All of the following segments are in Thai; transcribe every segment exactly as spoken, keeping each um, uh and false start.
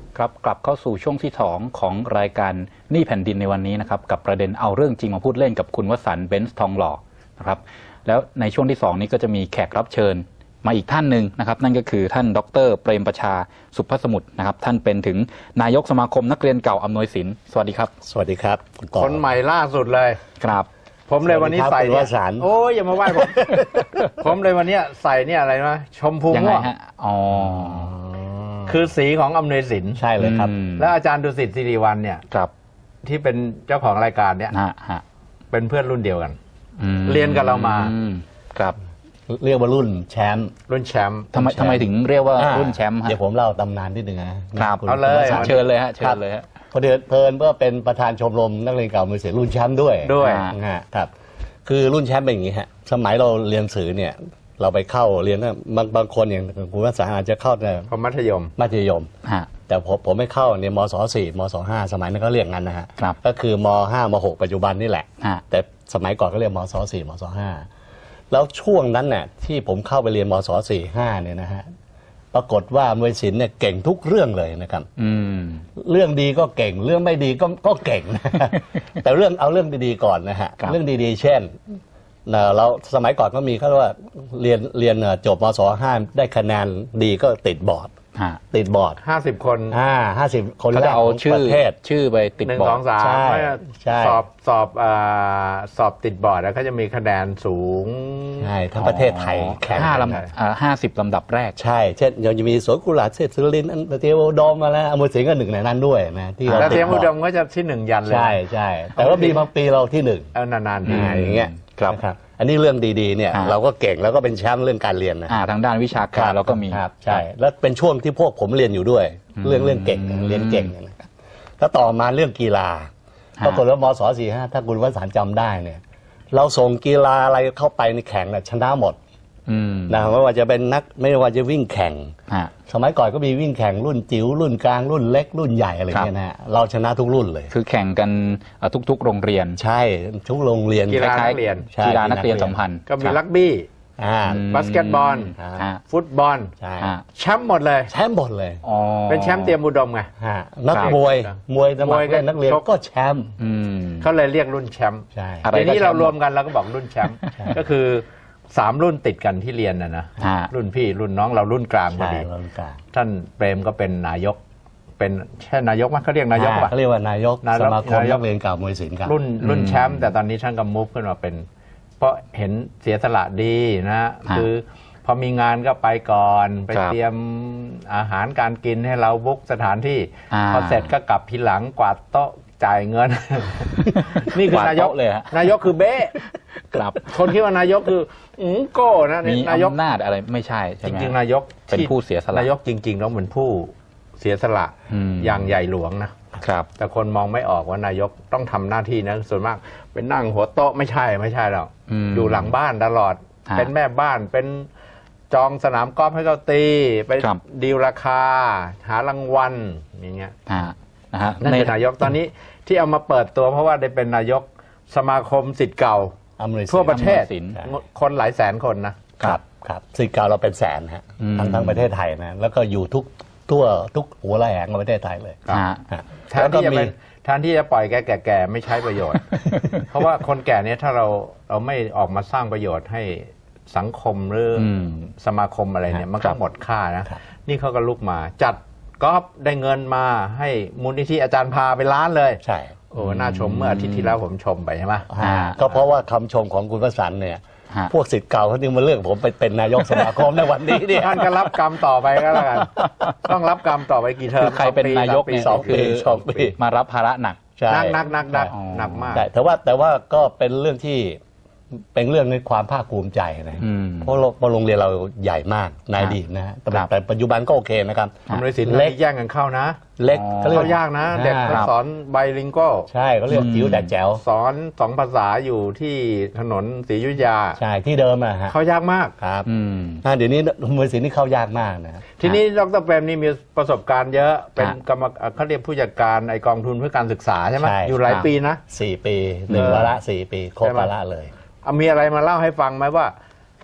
ครับกลับเข้าสู่ช่วงที่สองของรายการหนี้แผ่นดินในวันนี้นะครับกับประเด็นเอาเรื่องจริงมาพูดเล่นกับคุณวสันต์เบนซ์ทองหล่อนะครับแล้วในช่วงที่สองนี้ก็จะมีแขกรับเชิญมาอีกท่านหนึ่งนะครับนั่นก็คือท่านดร.เปรมประชาสุภสมุทรนะครับท่านเป็นถึงนายกสมาคมนักเรียนเก่าอำนวยสินสวัสดีครับสวัสดีครับคนใหม่ล่าสุดเลยครับผมเลยวันนี้ใส่เนี่ยโอ้ยอย่ามาไหว้ผมผมเลยวันนี้ใส่เนี่ยอะไรนะชมพูม่วงอ๋อคือสีของอำนวยสินใช่เลยครับแล้วอาจารย์ดุสิตสิริวัลย์เนี่ยครับที่เป็นเจ้าของรายการเนี่ยเป็นเพื่อนรุ่นเดียวกันเรียนกับเรามาครับเรียกว่ารุ่นแชมป์รุ่นแชมป์ทำไมทำไมถึงเรียกว่ารุ่นแชมป์ฮะเดี๋ยวผมเล่าตำนานนิดนึงนะครับเอาเลยเชิญเลยฮะเชิญเลยฮะพอเดือนเพลินเพื่อเป็นประธานชมรมนักเรียนเก่าอำนวยสินรุ่นแชมป์ด้วยด้วยครับคือรุ่นแชมป์เป็นอย่างนี้ฮะสมัยเราเรียนสื่อเนี่ยเราไปเข้าเรียนบางบางคนอย่างคุณวสันต์อาจจะเข้าในมัธยมมัธยมแต่ผมผมไม่เข้าเนี่ยมศสี่มศห้าสมัยนั้นก็เรียกงั้นนะฮะก็คือมห้ามหกปัจจุบันนี่แหละแต่สมัยก่อนก็เรียกมศสี่มศห้าแล้วช่วงนั้นเนี่ยที่ผมเข้าไปเรียนมศสี่ห้าเนี่ยนะฮะปรากฏว่าอำนวยสินเนี่ยเก่งทุกเรื่องเลยนะครับเรื่องดีก็เก่งเรื่องไม่ดีก็ก็เก่งแต่เรื่องเอาเรื่องดีๆก่อนนะฮะเรื่องดีๆเช่นเราสมัยก่อนก็มีเขาเรียกว่าเรียนเรียนจบมศห้าได้คะแนนดีก็ติดบอร์ดติดบอร์ดห้าสิบคนอ่าห้าสิบคนแล้วเอาชื่อชื่อไปติดบอร์ดหนึ่งสองสามสอบสอบสอบติดบอร์ดแล้วก็จะมีคะแนนสูงใช่ทั้งประเทศไทยแข่งห้าลำห้าสิบลำดับแรกใช่เช่นยังจะมีสวนกุหลาบเศรษฐศิรินทร์เทวดมมาแล้วอมวยสิงห์ก็หนึ่งในนั้นด้วยนะที่เราเทวดมก็จะที่หนึ่งยันเลยใช่ใช่แต่ว่ามีบางปีเราที่หนึ่งเออนานๆทีอย่างเงี้ยครับอันนี้เรื่องดีๆเนี่ยเราก็เก่งแล้วก็เป็นแชมป์เรื่องการเรียนนะทางด้านวิชาการเราก็มีครับใช่แล้วเป็นช่วงที่พวกผมเรียนอยู่ด้วยเรื่องเรื่องเก่งเรียนเก่งนะครับแล้วต่อมาเรื่องกีฬาปรากฏว่ามศสี่ห้าถ้าคุณวสันต์จำได้เนี่ยเราส่งกีฬาอะไรเข้าไปในแข่งเนี่ยชนะหมดนะไม่ว่าจะเป็นนักไม่ว่าจะวิ่งแข่งสมัยก่อนก็มีวิ่งแข่งรุ่นจิ๋วรุ่นกลางรุ่นเล็กรุ่นใหญ่อะไรเงี้ยนะเราชนะทุกรุ่นเลยคือแข่งกันทุกๆโรงเรียนใช่ทุกโรงเรียนกีฬานักเรียนกีฬานักเรียนสัมพันธ์ก็มีรักบี้บาสเกตบอลฟุตบอลแชมป์หมดเลยแชมป์หมดเลยเป็นแชมป์เตรียมอุดมไงนักมวยมวยสมัครเล่นนักเรียนก็แชมป์เขาเลยเรียกรุ่นแชมป์ทีนี้เรารวมกันเราก็บอกรุ่นแชมป์ก็คือสามรุ่นติดกันที่เรียนนะนะรุ่นพี่รุ่นน้องเรารุ่นกลางพอดีท่านเปรมก็เป็นนายกเป็นใช่นายกมั้ยเขาเรียกนายกป่ะเขาเรียกว่านายกสมาคมนักเรียนเก่ามวยศิลป์ครับรุ่นรุ่นแชมป์แต่ตอนนี้ท่านก็มุฟขึ้นมาเป็นเพราะเห็นเสียสละดีนะคือพอมีงานก็ไปก่อนไปเตรียมอาหารการกินให้เราบุ๊กสถานที่พอเสร็จก็กลับทีหลังกวาดโต๊ะจ่ายเงินนี่คือนายกเลยนายกคือเบ้ครับคนที่ว่านายกคืออืมโก้นะมีนายกอำนาจอะไรไม่ใช่จริงๆนายกเป็นผู้เสียสละนายกจริงๆแล้วเหมือนผู้เสียสละอย่างใหญ่หลวงนะครับแต่คนมองไม่ออกว่านายกต้องทำหน้าที่นะส่วนมากเป็นนั่งหัวโต๊ะไม่ใช่ไม่ใช่หรอกอยู่หลังบ้านตลอดเป็นแม่บ้านเป็นจองสนามกอล์ฟให้เขาตีไปดีลราคาหารางวัลอย่างเงี้ยนะฮะนั่นคือนายกตอนนี้ที่เอามาเปิดตัวเพราะว่าได้เป็นนายกสมาคมศิษย์เก่าทั่วประเทศคนหลายแสนคนนะครับครับศิษย์เก่าเราเป็นแสนฮะทั้งทั้งประเทศไทยนะแล้วก็อยู่ทุกทั่วทุกหัวระแหงของประเทศไทยเลยแทนที่จะเป็นแทนที่จะปล่อยแก่แก่ไม่ใช้ประโยชน์เพราะว่าคนแก่เนี่ยถ้าเราเราไม่ออกมาสร้างประโยชน์ให้สังคมหรือสมาคมอะไรเนี่ยมันก็หมดค่านะนี่เขาก็ลุกมาจัดก็ได้เงินมาให้มูลนิธิอาจารย์พาไปล้านเลยใช่โอ้น่าชมเมื่ออาทิตย์ที่แล้วผมชมไปใช่ไหมก็เพราะว่าคำชมของคุณวสันต์เนี่ยพวกศิษย์เก่าเขาจึงมาเลือกผมไปเป็นนายกสมาคมในวันนี้เนี่ยท่านก็รับกรรมต่อไปก็แล้วกันต้องรับกรรมต่อไปกี่เทอมใครเป็นนายกเนี่ยคือมารับภาระหนักนักนักนักนักหนักมากแต่ว่าแต่ว่าก็เป็นเรื่องที่เป็นเรื่องในความภาคภูมิใจนะเพราะโรงเรียนเราใหญ่มากนายดีนะฮะแต่ปัจจุบันก็โอเคนะครับอำนวยสินเล็กแย่งกันเข้านะเล็กเขายากนะเด็กสอนไบลิงโก้ใช่เขาเรียกจิ๋วแต่แจ๋วสอนสองภาษาอยู่ที่ถนนศรีอยุธยาใช่ที่เดิมอะฮะเขายากมากครับเดี๋ยวนี้อำนวยสินนี่เข้ายากมากนะทีนี้ดร.เปรมนี่มีประสบการณ์เยอะเป็นกรรมเขาเรียกผู้จัดการไอกองทุนเพื่อการศึกษาใช่ไหมอยู่หลายปีนะสี่ปีหนึ่งวาระสี่ปีครบวาระเลยมีอะไรมาเล่าให้ฟังไหมว่าเฮ้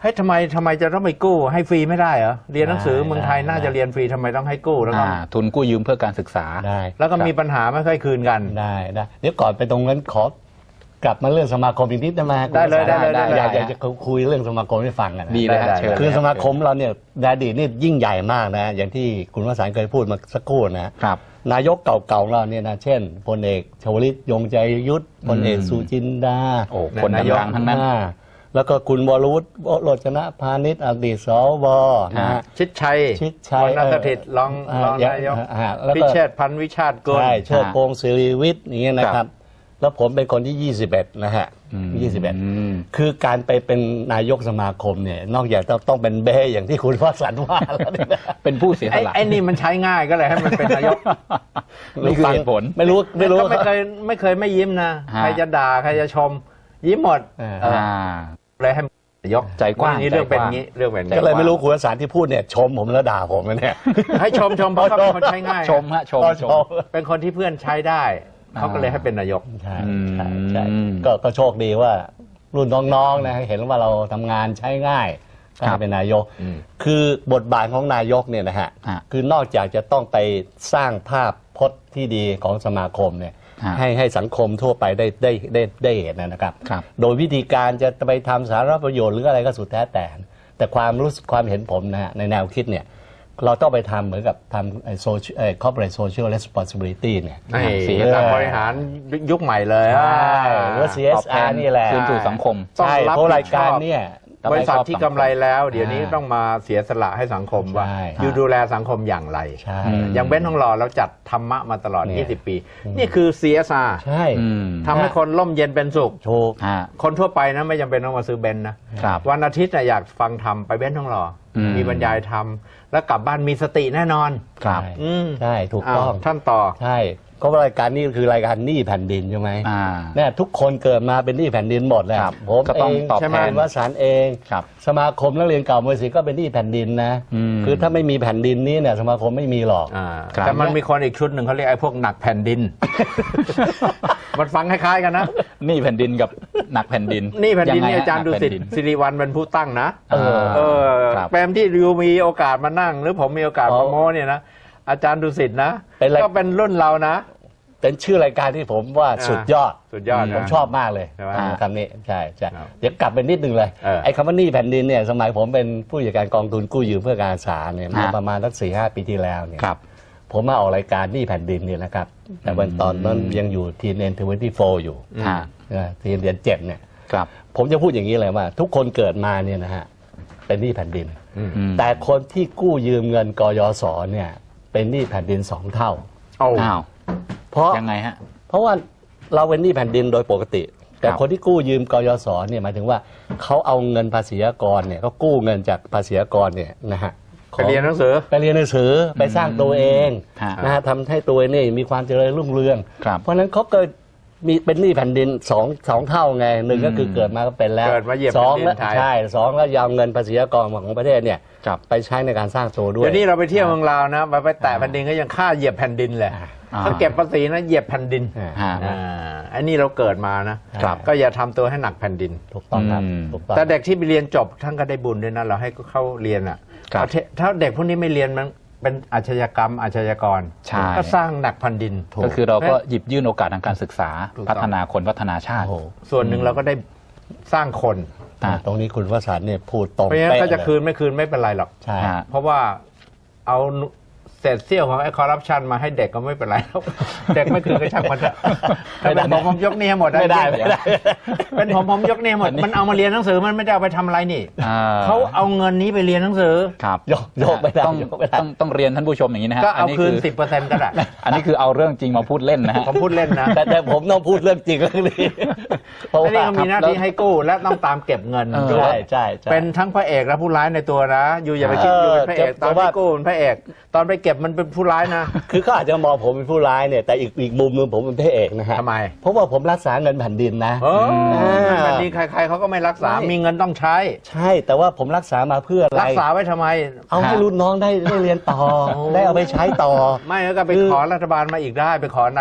ฮ้ยทำไมทำไมจะต้องไปกู้ให้ฟรีไม่ได้เหรอเรียนหนังสือได้เมืองไทยได้น่าจะเรียนฟรีทำไมต้องให้กู้แล้วก็อ่าทุนกู้ยืมเพื่อการศึกษาได้แล้วก็มีปัญหาไม่ค่อยคืนกันได้ได้เดี๋ยวก่อนไปตรงนั้นขอกลับมาเรื่องสมาคมอีกนิดได้ไหมได้เลยได้เลยได้อยากได้อยากจะคุยเรื่องสมาคมให้ฟังกันนะดีเลยฮะได้เชิญคือสมาคมเราเนี่ยในอดีตนี่ยิ่งใหญ่มากนะ อย่างที่คุณวสันต์เคยพูดมาสักครู่นะครับ นายกเก่าๆของเราเนี่ยนะเช่นพลเอกชวลิตยงใจยุทธพลเอกอืมสุจินดาโอ้คนนายกดังๆทั้งนั้นอ่าแล้วก็คุณวรวุฒิโรจนะพาณิชย์อดีตสวนะฮะชิดชัยชิดชัยวรรณสถิตรองเอ่อรองอ่นายกอ่าแล้วพิก็เชษฐ์พันธุ์วิชาติกุลใช่เชิดพงศ์ศิริวิทย์อย่างเงี้ยนะคครัรับบแล้วผมเป็นคนที่ ยี่สิบเอ็ด นะฮะอืมยี่สิบเอ็ด คือการไปเป็นนายกสมาคมเนี่ยนอกจากต้องต้องเป็นเบ้อย่างที่คุณวสันต์ว่าแล้วเนี่ยนะเป็นผู้เสียสไอ้ละไอ้นี่มันใช้ง่ายก็เลยให้มันเป็นนายกนี่คือเหตุผลไม่รู้ไม่รู้ก็ไม่เคยไม่เคยไม่ยิ้มนะฮะใครจะด่าใครจะชม ยิ้มหมดอ่าเอออ่าเลยให้นายกใจกว้างนี่เรื่องเป็นใจกว้างงี้เรื่องเป็นก็เลยไม่รู้คุณวสันต์ที่พูดเนี่ยชมผมแล้วด่าผมนะเนี่ยให้ชมชมเพราะเขาเป็นคนใช้ง่ายชมฮะชมก็ชชมมเป็นคนที่เพื่อนใช้ได้เขาก็เลยให้เป็นนายกใช่อืมใช่ใช่ก็ก็โชคดีว่ารุ่นน้องๆนะเห็นว่าเราทำงานใช้ง่ายก็ครัให้บเป็นนายกอืมคือบทบาทของนายกเนี่ยนะฮะฮะคือนอกจากจะต้องไปสร้างภาพพจน์ที่ดีของสมาคมเนี่ยฮะให้ให้สังคมทั่วไปได้ได้ได้ได้เห็นนะครับครับโดยวิธีการจะไปทำสาธารณประโยชน์หรืออะไรก็สุดแท้แต่ แต่ความรู้สึกความเห็นผมนะฮะในแนวคิดเนี่ยเราต้องไปทำเหมือนกับทำไอ้ social ไอ้ corporate social responsibility เนี่ยนี่เสียการบริหารยุคใหม่เลยใช่หรือตซี เอสอบแทอาร์ นี่แหละคืนสู่สังคมต้องใช่รับเพราะผิดรายการชอบเนี่ยบริษัทที่กำไรแล้ว เดี๋ยวนี้อ่าต้องมาเสียสละให้สังคมว่าใช่อยู่ดูแลสังคมอย่างไรใช่อืมอย่างเบ้นทองหล่อเราจัดธรรมะมาตลอดเนี่ยยี่สิบ ปี นี่คือ ซี เอส อาร์ใช่อืมทำให้คนร่มเย็นเป็นสุขโถูกฮะคนทั่วไปนะไม่จำเป็นต้องมาซื้อเบนซ์นะครับวันอาทิตย์น่ะอยากฟังธรรมไปเบ้นทองหล่ออมมีบรรยายธรรม แล้วกลับบ้านมีสติแน่นอนครับใช่อืมใช่ถูกต้องาวท่านต่อใช่ก็รายการนี้คือรายการหนี้แผ่นดินใช่ไหมอ่าเนี่ยทุกคนเกิดมาเป็นหนี้แผ่นดินหมดแหละครับผมก็ต้องเองตอบใช่ไหมแทนวสันต์เองครับสมาคมนักเรียนเก่ามวยศิลป์ก็เป็นหนี้แผ่นดินนะอืมคือถ้าไม่มีแผ่นดินนี้เนี่ยสมาคมไม่มีหรอกอ่าครับแต่มันมีคนอีกชุดหนึ่งเขาเรียกไอ้พวกหนักแผ่นดิน มันฟังคล้ายๆกันนะนี่แผ่นดินกับหนักแผ่นดินนี่แผ่นดินงไงนี่ฮะอาจารย์หดุนักสิตแผ่นดินสิริวัลย์เป็นผู้ตั้งนะเออเออครับแปมที่ริวมีโอกาสมานั่ง หรือผมมีโอกาสมาโม้เนี่ยนะอาจารย์ดุสิตนะเป็นไรก็เป็นรุ่นเรานะเป็นชื่อรายการที่ผมว่าอ่าสุดยอดสุดยอดนะผมชอบมากเลยใช่ไหมอ่าคำนี้ใช่ใช่ครับเดี๋ยวกลับไปนิดนึงเลยเออไอ้คำว่าหนี้แผ่นดินเนี่ยสมัยผมเป็นผู้จัดการกองทุนกู้ยืมเพื่อการศึกษาเนี่ยเมื่อฮะประมาณสักสี่ห้าปีที่แล้วเนี่ยครับผมมาออกรายการหนี้แผ่นดินเนี่ยนะครับ แต่วันตอนนั้นยังอยู่ทีเอ็นทเวนตี้โฟอยู่ฮะทีเอ็นเดือนเจ็ดเนี่ยครับผมจะพูดอย่างนี้เลยว่า ทุกคนเกิดมาเนี่ยนะฮะเป็นหนี้แผ่นดินอืมแต่คนที่กู้ยืมเงินกยศเนี่ยเป็นหนี้แผ่นดินสองเท่าเอาอ้าวเพราะยังไงฮะเพราะว่าเราเป็นหนี้แผ่นดินโดยปกติ แต่ครับคนที่กู้ยืมกยศเนี่ยหมายถึงว่าเขาเอาเงินภาษีอากรเนี่ยเขากู้เงินจากภาษีอากรเนี่ยนะฮะไปเรียนหนังสือไปเรียนหนังสือไปสร้างตัวเองฮะนะฮะทำให้ตัวเองนี่มีความเจริญรุ่งเรืองครับเพราะฉะนั้นเขาเกิดมีเป็นหนี้แผ่นดินสองสองเท่าไงหนึ่งก็คือเกิดมาก็เป็นแล้วเกิดมาเหยียบสองแผ่นดินแล้วไทยใช่สองแล้วยาวเงินภาษีอากรของประเทศเนี่ยครับไปใช้ในการสร้างตัวด้วยเดี๋ยวนี้เราไปเที่ยวเมืองลาวนะไปไปแตะแผ่นดินก็ยังค่าเหยียบแผ่นดินเลยอ่าเขาเก็บภาษีนะเหยียบแผ่นดินอ่าฮะอ่าอันนี้เราเกิดมานะครับก็อย่าทำตัวให้หนักแผ่นดินถูกต้องครับอืมถูกต้องแต่เด็กที่ไปเรียนจบท่านก็ได้บุญด้วยนะเราให้เขาเรียนอ่ะครับเอาเถถ้าเด็กพวกนี้ไม่เรียนมันเป็นอาชญากรรมอาชญากรใช่ก็สร้างหนักแผ่นดินก็คือเราก็หยิบยื่นโอกาสทางการศึกษาถูกต้องพัฒนาคนพัฒนาชาติโอ้โหส่วนหนึ่งเราก็ได้สร้างคนอ่าตรงนี้คุณวสันต์เนี่ยพูดตรงเพราะฉะนั้นเป๊ะก็จะเลยคืนไม่คืนไม่เป็นไรหรอกใช่ฮะเพราะว่าเอาเศษเสี้ยวของไอ้คอร์รัปชันมาให้เด็กก็ไม่เป็นไรหรอก เด็กไม่คืนก็ช่างมันเถอะถ้าเป็นผมผมยกหนี้ให้หมดนะไม่ได้ไม่ได้เป็นผมผมยกหนี้ให้หมดมันเอามาเรียนหนังสือมันไม่ได้เอาไปทำอะไรนี่อ่เขาเอาเงินนี้ไปเรียนหนังสือครับยกยกไม่ได้ต้องยกไม่ได้ต้องต้องเรียนท่านผู้ชมอย่างนี้นะฮะก็เอานี้คืนคือสิบเปอร์เซ็นต์ก็ได้อันนี้คือเอาเรื่องจริงมาพูดเล่นนะฮะผมพูดเล่นนะแต่แต่ผมต้องพูดเรื่องจริงเรื่องนี้เพราะแล้วนี่ว่าก็มีหน้าที่ให้กู้และต้องตามเก็บเงินเออด้วใช่ยใช่ใช่เป็นทั้งพระเอกและผู้ร้ายในตัวนะ อยู่อย่าไปคิดอยู่เป็นพระเอกเออตอนแต่ว่าที่กู้เป็นพระเอก ตอนไปเก็บมันเป็นผู้ร้ายนะคือเขาอาจจะมองผมเป็นผู้ร้ายเนี่ยแต่อีกอีกมุมหนึงผมเป็นพระเอกนะฮะทำไมเพราะว่าผมรักษาเงินแผ่นดินนะเอออ่าแบบนี้ใครๆเขาก็ไม่รักษาไม่มีเงินต้องใช้ใช่แต่ว่าผมรักษามาเพื่ออะไรรักษาไว้ทำไมเอาให้รุ่นน้องได้ได้เรียนต่อโอ้ได้เอาไปใช้ต่อไม่แล้วก็ไปคือขอรัฐบาลมาอีกได้ ไปขอนายก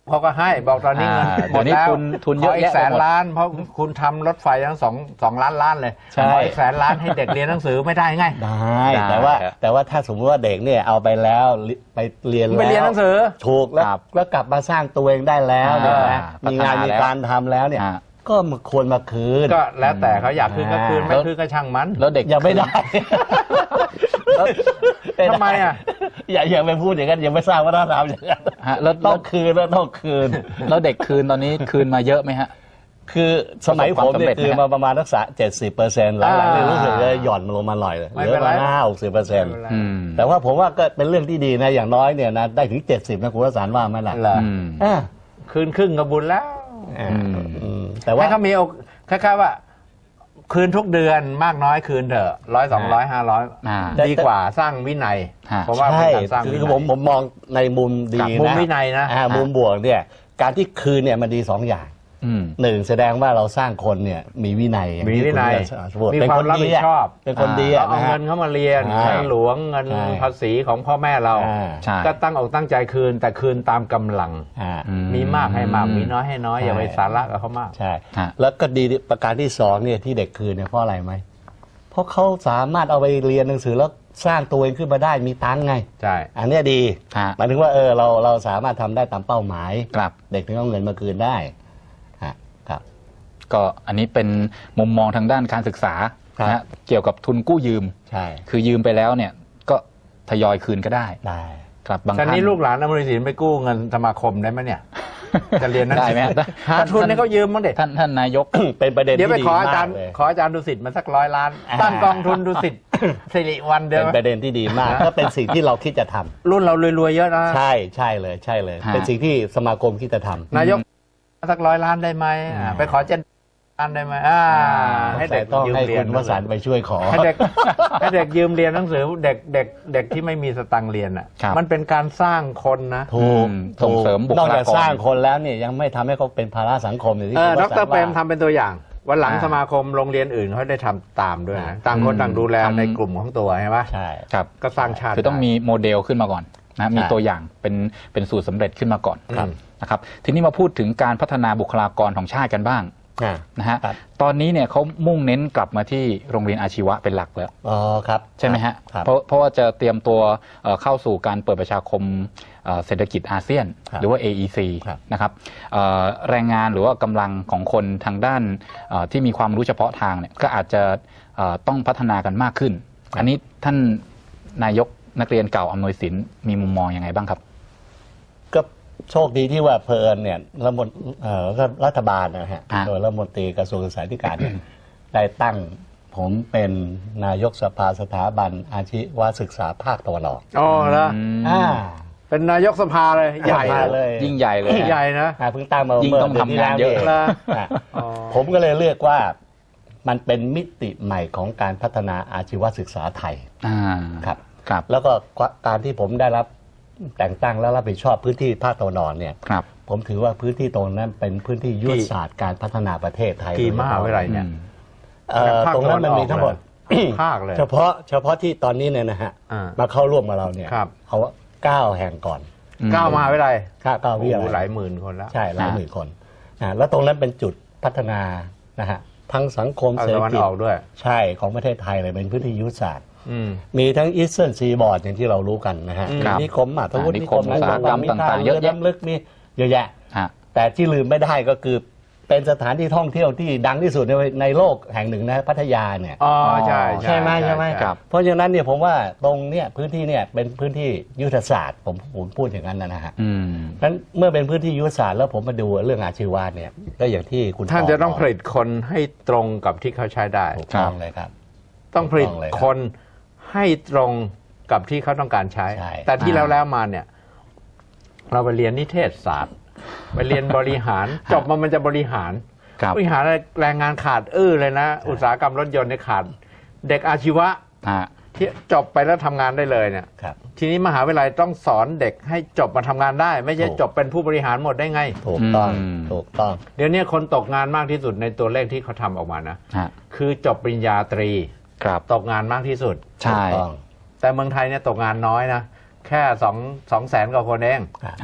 เขาก็ให้บอกตอนนี้เงินอ่าหมดแล้วเดี๋ยวนี้ทุนทุนเยอะขอีแยะกแสนไปหมดล้านเพราะคุณทำรถไฟทั้งสองสองล้านล้านเลยใช่ขออีกแสนล้านให้เด็กเรียนหนังสือไม่ได้ไงได้ได้แต่ว่าครับแต่ว่าถ้าสมมติว่าเด็กเนี่ยเอาไปแล้วไปเรียนแล้วไปเรียนหนังสือถูกแล้วครับแล้วกลับมาสร้างตัวเองได้แล้วเนี่ยนะอ่ามีมีงานพัฒนามีแล้วการทำแล้วเนี่ยอ่าก็ควรมาคืนก็แล้วแต่เขาอยากคืนก็คืนอ่าไม่คืนก็ช่างมันแล้วเด็กยังไม่ได้แล้วทำไมอ่ะอย่าอย่าไปพูดอย่างนั้นยังไม่ทราบว่าต้องทำอย่างนั้นฮะแล้วต้แล้อวงคืนแล้วต้องคืนแล้วเด็กคืนตอนนี้คืนมาเยอะไหมฮะคือสมัยผมเนี่ยประสบความสำเร็จไหมคือมาประมาณสักเจ็ดสิบเปอร์เซ็นต์หลังๆเนี่ยรู้สึกเลยหย่อนลงมาหน่อยเลยเหไม่ลืเป็อน ปไรระมาณห้าหกสิบเปอร์เซ็นต์อืมแต่ว่าผมว่าก็เป็นเรื่องที่ดีนะอย่างน้อยเนี่ยนะได้ถึงเจ็ดสิบนะคุณวสันต์ว่าไหมล่ะเหรออืมอ่าคืนครึ่งก็บุญแล้วอ่าอืมอืมแต่ว่าให้เขามีโอกคล้ายๆว่า คืนทุกเดือนมากน้อยคืนเถอะร้อยสองร้อยห้าร้อยอ่าดีกว่าสร้างวินัยฮะเพราะว่าเป็นใช่การสร้างคืวิอนัยผมผมมองในมุมดีครับนะมุมวินัยนะอ่ามุมบวกเนี่ยการที่คืนเนี่ยมันดีสองอย่างอืมหนึ่งแสดงว่าเราสร้างคนเนี่ยมีวินัยอย่างมีที่วินัยคุณมีเป็นควาคมนรับดีผิดชอบเป็นคนดีเราอะเอานะฮะเงินเข้ามาเรียนใช่เงินหลวงเงินใช่ภาษีของพ่อแม่เราอ่าใช่ก็ตั้งอกตั้งใจคืน แต่คืนตามกำลังอ่าอืมีมากให้มากมีน้อยให้น้อยใช่อย่าไปสาระกับเขามากใช่ฮะแล้วก็ดีประการที่สองเนี่ยที่เด็กคืนเนี่ยเพราะอะไรไหมเพราะเขาสามารถเอาไปเรียนหนังสือแล้วสร้างตัวเองขึ้นมาได้มีตังค์ไงใช่อันเนี้ยดีฮะหมายถึงว่าเออเราเราสามารถทำได้ตามเป้าหมายครับเด็กถึงเอาเงินมาคืนได้ฮะครับก็อันนี้เป็นมุมมองทางด้านการศึกษาครับนะฮะเกี่ยวกับทุนกู้ยืมใช่คือยืมไปแล้วเนี่ยก็ทยอยคืนก็ได้ได้ครับบางตอนท่านนี้ลูกหลานอมริสินไปกู้เงินสมาคมได้ไหมเนี่ย จะเรียนหนังได้สืไหมฮะหาทุนให้เขายืมมั้งเด็ท่านท่านนายกเป็นประเด็นเดี๋ยวที่ไปดีขออามาจารกย์เลยขออาจารย์ดุสิตมาสักร้อยล้านอ่าตั้งกองทุนดุสิตสิริวันเดีเป็ยวนประเด็นที่ดีมาก ก็เป็นสิ่งที่เราคิดจะทำรุ่นเรารวยๆเยอะนะใช่ใช่เลยใช่เลยฮะเป็นสิ่งที่สมาคมคิดจะทำนายกสักร้อยล้านได้ไหมอ่าไปขอเจ็ดล้านได้ไหมอ่าให้เด็กต้องยืมให้เรียคุนณวสันต์ไปช่วยขอให้เด็กให้เด็กยืมเรียนหนังสือเด็กเด็กเด็กที่ไม่มีสตังค์เรียนอ่ะครับมันเป็นการสร้างคนนะถูกอืมส่งเสริมบุคลากรนอกจากสร้างคนแล้วเนี่ยยังไม่ทำให้เขาเป็นภาระสังคมอย่างที่เออคุณดวสันรต์เปรมว่าทำเป็นตัวอย่าง วันหลังอ่าสมาคมโรงเรียนอื่นเขาได้ทำตามด้วยนะต่างคนอืมต่างดูแลทำในกลุ่มของตัวใช่ไหมใช่ครับก็สร้างชาติคือต้องมีโมเดลขึ้นมาก่อนนะมีใช่ตัวอย่างเป็นเป็นสูตรสำเร็จขึ้นมาก่อนครับนะครับทีนี้มาพูดถึงการพัฒนาบุคลากรของชาติกันบ้างอ่านะฮะครับตอนนี้เนี่ยเขามุ่งเน้นกลับมาที่โรงเรียนอาชีวะเป็นหลักแล้วอ๋อครับใช่ไหมฮะครับเพราะเพราะว่าจะเตรียมตัวเอ่อเข้าสู่การเปิดประชาคมเอ่อเศรษฐกิจอาเซียนครับหรือว่า เอ อี ซีครับนะครับเอ่อแรงงานหรือว่ากำลังของคนทางด้านเอ่อที่มีความรู้เฉพาะทางเนี่ยก็อาจจะเอ่อต้องพัฒนากันมากขึ้น อันนี้ท่านนายกนักเรียนเก่าอำนวยสินมีมุมมองยังไงบ้างครับก็โชคดีที่ว่าเพลินเนี่ยรัฐมนเอ่อรัฐบาลนะฮะฮะโดยรัฐมนตรีกระทรวงศึกษาธิการเนี่ย ได้ตั้งผมเป็นนายกสภาสถาบันอาชีวศึกษาภาคตะวันออกอ๋อแล้วอืมอ่าเป็นนายกสภาเลยใหญ่สภาเลยยิ่งใหญ่เลยใหญ่นะอ่าเพิ่งตั้งมายิ่งเมื่ต้องดืทำงานเยอะที่แล้วนี่อ่ะอ๋อผมก็เลยเรียกว่ามันเป็นมิติใหม่ของการพัฒนาอาชีวศึกษาไทยอ่าครับครับแล้วก็การที่ผมได้รับแต่งตั้งและรับผิดชอบพื้นที่ภาคตะวันออกเนี่ยครับผมถือว่าพื้นที่ตรงนั้นเป็นพื้นที่ยุทธศาสตร์การพัฒนาประเทศไทยกี่มหาวิทยาลัยเนี่ยเอ่อตรงนั้นมันมีทั้งหมดภาคเลยเฉพาะเฉพาะที่ตอนนี้เนี่ยนะฮะอ่ามาเข้าร่วมกับเราเนี่ยครับเอาเก้าแห่งก่อนอืมเก้ามหาวิทยาลัยค่าเก้าโอ้วิทโหยาหลัลาย ยหมื่นคนแล้วใช่หลายอ่าหมื่นคนอ่าแล้วตรงนั้นเป็นจุดพัฒนานะฮะทั้งสังคมเอาเศรษฐตะวันกิจออกด้วยใช่ของประเทศไทยเลยเป็นพื้นที่ยุทธศาสตร์อืมมีทั้งอีสเทิร์นซีบอร์ดอย่างที่เรารู้กันนะฮะอืมครับนิคมอ่ะทวุฒิอ่านินิคคมมอุตสาหกรรมมีต่างๆท่เยอะแยะน้ำลึกมีเยอะแยะฮะแต่ที่ลืมไม่ได้ก็คือเป็นสถานที่ท่องเที่ยวที่ดังที่สุดในในโลกแห่งหนึ่งนะพัทยาเนี่ยอ๋อใช่ใช่ไหมใช่ไหมครับเพราะฉะนั้นเนี่ยผมว่าตรงเนี่ยพื้นที่เนี่ยเป็นพื้นที่ยุทธศาสตร์ผมผมพูดอย่างนั้นนะฮะอืมนั้นเมื่อเป็นพื้นที่ยุทธศาสตร์แล้วผมมาดูเรื่องอาชีวะเนี่ยก็อย่างที่คุณท่านจะต้องบกผลิตคนให้ตรงกับที่เขาใช้ได้ถูกต้องเลยครับต้องผลิตถูกต้องเลยครับคนให้ตรงกับที่เขาต้องการใช้ใช่แต่ที่อ่าแล้วแล้วมาเนี่ย เราไปเรียนนิเทศศาสตร์ ไปเรียนบริหาร จบมามันจะบริหารครับบริหารแรงงานขาดอื้อเลยนะ อุตสาหกรรมรถยนต์เนี่ยขาด เด็กอาชีวะฮะที่จบไปแล้วทำงานได้เลยเนี่ยครับทีนี้มหาวิทยาลัยต้องสอนเด็กให้จบมาทำงานได้ ไม่ใช่ถูกจบเป็นผู้บริหารหมดได้ไงถูกต้องอืมถูกต้องเดี๋ยวนี้คนตกงานมากที่สุดในตัวเลขที่เขาทำออกมานะฮะคือจบปริญญาตรีครับตกงานมากที่สุดใช่ถูกต้องแต่เมืองไทยเนี่ยตกงานน้อยนะ แค่สองสองแสนกว่าคนเองฮะ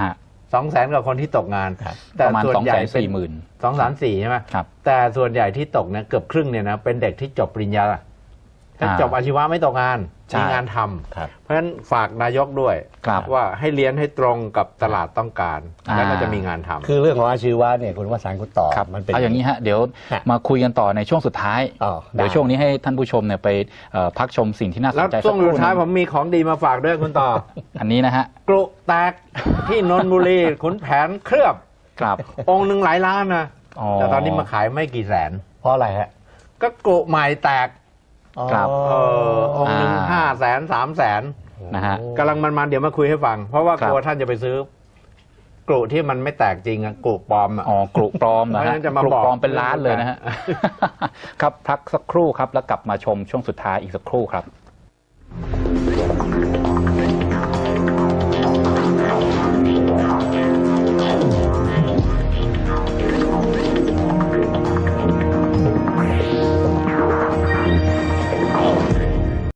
สองแสนกว่าคนที่ตกงานประมาณสองแสนสี่หมื่นสองแสนสี่ใช่ไหมแต่ส่วนใหญ่ที่ตกเนี่ยเกือบครึ่งเนี่ยนะเป็นเด็กที่จบปริญญาถ้าจบอาชีวะไม่ตกงานมีงานทำเพราะฉะนั้นฝากนายกด้วยว่าให้เรียนให้ตรงกับตลาดต้องการแล้วก็จะมีงานทำคือเรื่องของอาชีวะเนี่ยคุณวสันต์คุณตอบมันเป็นเอาอย่างนี้ฮะเดี๋ยวมาคุยกันต่อในช่วงสุดท้ายเดี๋ยวช่วงนี้ให้ท่านผู้ชมเนี่ยไปพักชมสิ่งที่น่าสนใจแล้วช่วงสุดท้ายผมมีของดีมาฝากด้วยคุณต่ออันนี้นะฮะกรุแตกที่นนทบุรีขุนแผนเคลือบครับองค์หนึ่งหลายล้านนะแต่ตอนนี้มาขายไม่กี่แสนเพราะอะไรฮะก็กรุใหม่แตกครับองค์หนึ่งห้าแสนสามแสนนะฮะกำลังมันๆเดี๋ยวมาคุยให้ฟังเพราะว่ากลัวท่านจะไปซื้อกรุที่มันไม่แตกจริงอะกรุปลอมอ๋อกรุปลอมนะฮะกรุปลอมเป็นล้านเลยนะฮะครับพักสักครู่ครับแล้วกลับมาชมช่วงสุดท้ายอีกสักครู่ครับ